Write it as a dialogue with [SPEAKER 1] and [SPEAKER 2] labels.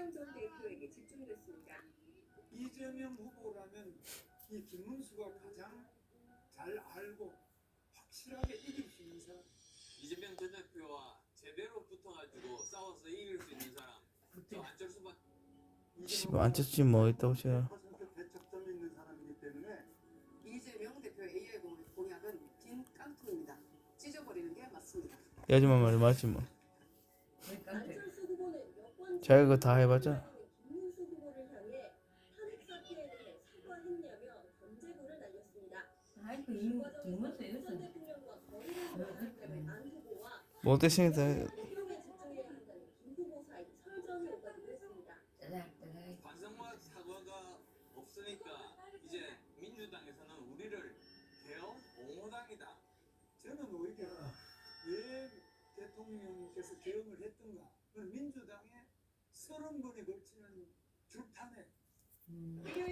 [SPEAKER 1] 이재명 전 대표에게 집중됐습니다.
[SPEAKER 2] 이재명 후보라면 이 김문수가 가장 잘 알고 확실하게 이길 수 있는 사람.
[SPEAKER 3] 이재명 전 대표와 제대로 붙어가지고 싸워서 이길 수 있는 사람. 저 안철수밖에.
[SPEAKER 4] 씨발 안철수 뭐 있다고 쟤.
[SPEAKER 2] 대척점이 있는 사람이기 때문에
[SPEAKER 1] 이재명 대표의 AI 공약은 빈 깡통입니다. 찢어버리는 게 맞습니다.
[SPEAKER 4] 이 아줌마 말이 맞지 뭐.
[SPEAKER 5] 안철수 후보는 여권
[SPEAKER 4] 자기가 그거 다 해봤자.
[SPEAKER 5] 김문수 후보를 향해 탄핵 사태에 대해 사과했냐며 견제구를 날렸습니다.
[SPEAKER 6] 아이고 이 김문수
[SPEAKER 5] 전
[SPEAKER 6] 이것은
[SPEAKER 5] 대통령과 거리를 두었기 때문에 안 후보와
[SPEAKER 4] 못되시니까
[SPEAKER 5] 대통령에 집중해야 한다는 김 후보 사이 설전이 오가기도 했습니다.
[SPEAKER 6] 짜잘짜잘.
[SPEAKER 3] 반성과 사과가 없으니까 이제 민주당에서는 우리를 개헌 옹호당이다.
[SPEAKER 2] 저는 오히려 왜 대통령께서 개헌을 했던가? 그건 민주당의 30번에 걸치는 줄탄핵.